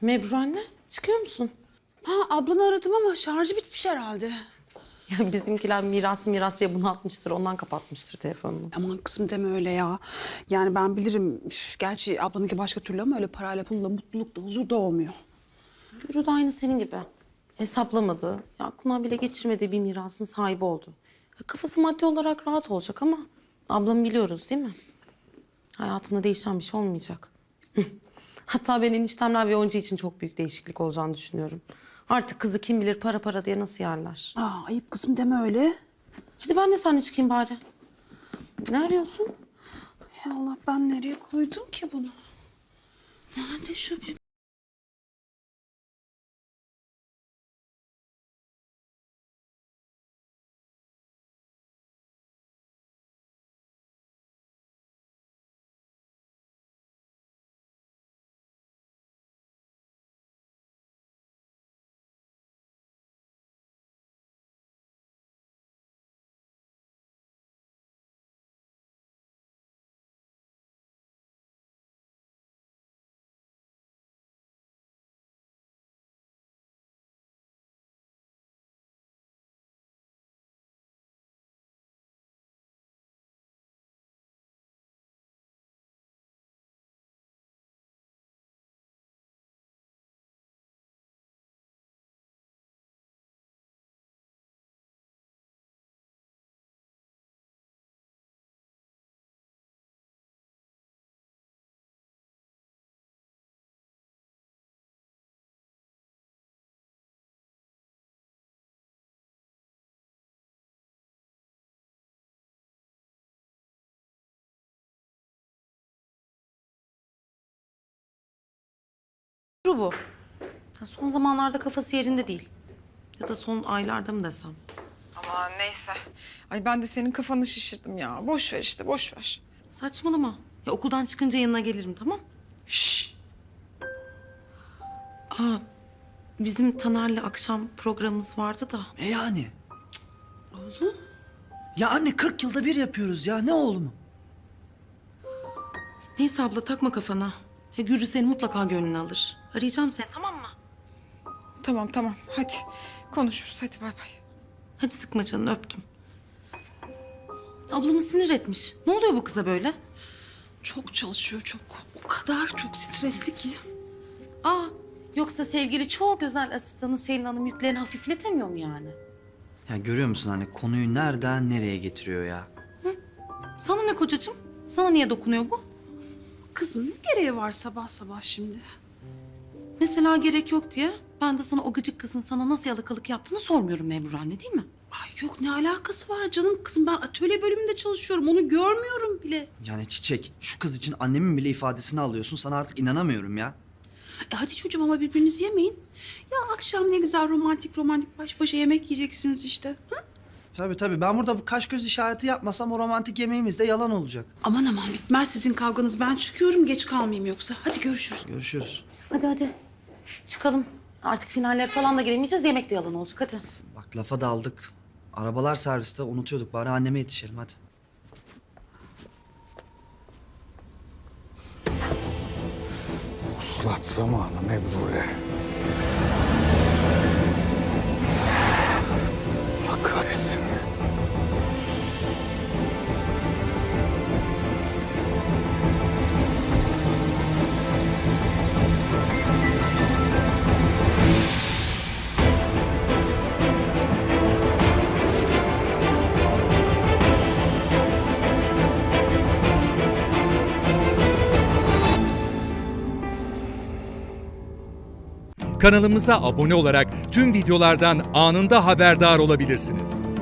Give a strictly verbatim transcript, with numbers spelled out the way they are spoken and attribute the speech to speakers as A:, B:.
A: Mebru anne, çıkıyor musun?
B: Ha, ablanı aradım ama şarjı bitmiş herhalde.
A: Ya bizimkiler miras miras diye bunu atmıştır, ondan kapatmıştır telefonunu.
B: Aman kızım deme öyle ya. Yani ben bilirim. Üf, gerçi ablanınki başka türlü ama öyle parayla pulla mutluluk da huzur da olmuyor.
A: Gürü de aynı senin gibi. Hesaplamadı, ya aklına bile geçirmediği bir mirasın sahibi oldu. Ya kafası maddi olarak rahat olacak ama ablamı biliyoruz değil mi? Hayatında değişen bir şey olmayacak. Hatta ben eniştemler ve Onca için çok büyük değişiklik olacağını düşünüyorum. Artık kızı kim bilir para para diye nasıl yerler.
B: Aa, ayıp kızım deme öyle.
A: Hadi ben de seninle çıkayım bari. Ne arıyorsun?
B: Ya Allah, ben nereye koydum ki bunu? Nerede şu bir...
A: Gürü bu. Ya son zamanlarda kafası yerinde değil. Ya da son aylarda mı desem?
C: Ama neyse. Ay ben de senin kafanı şişirdim ya. Boş ver işte, boş ver.
A: Saçmalama. Ya okuldan çıkınca yanına gelirim, tamam?
C: Şşş.
A: Aa, bizim Taner'le akşam programımız vardı da.
D: E yani?
A: Oğlum?
D: Ya anne kırk yılda bir yapıyoruz ya. Ne oğlumu?
A: Neyse abla, takma kafana. Ya Gürü senin mutlaka gönlünü alır. Arayacağım seni, tamam mı?
C: Tamam tamam, hadi konuşuruz, hadi bay bay.
A: Hadi sıkma canını, öptüm. Ablamı sinir etmiş. Ne oluyor bu kıza böyle?
B: Çok çalışıyor, çok. O kadar çok stresli ki.
A: Aa, yoksa sevgili çok güzel asistanı Selin Hanım yüklerini hafifletemiyor mu yani?
D: Ya görüyor musun anne konuyu nereden nereye getiriyor ya?
A: Sana ne kocacığım? Sana niye dokunuyor bu?
B: Kızım ne gereği var sabah sabah şimdi?
A: Mesela gerek yok diye ben de sana o gıcık kızın sana nasıl yalakalık yaptığını sormuyorum Mebru anne, değil mi?
B: Ay yok, ne alakası var canım kızım, ben atölye bölümünde çalışıyorum, onu görmüyorum bile.
D: Yani Çiçek şu kız için annemin bile ifadesini alıyorsun. Sana artık inanamıyorum ya.
B: E hadi çocuğum ama birbirinizi yemeyin. Ya akşam ne güzel romantik romantik baş başa yemek yiyeceksiniz işte. Ha?
D: Tabii tabii ben burada bu kaş göz işareti yapmasam o romantik yemeğimiz de yalan olacak.
B: Aman aman, bitmez sizin kavganız, ben çıkıyorum, geç kalmayayım yoksa. Hadi görüşürüz.
D: Görüşürüz.
A: Hadi hadi. Çıkalım. Artık finaller falan da giremeyeceğiz. Yemek de yalan olacak. Hadi.
D: Bak lafa daldık. Arabalar serviste unutuyorduk. Bari anneme yetişelim hadi.
E: Vuslat zamanı Mebrure. Allah kahretsin.
F: Kanalımıza abone olarak tüm videolardan anında haberdar olabilirsiniz.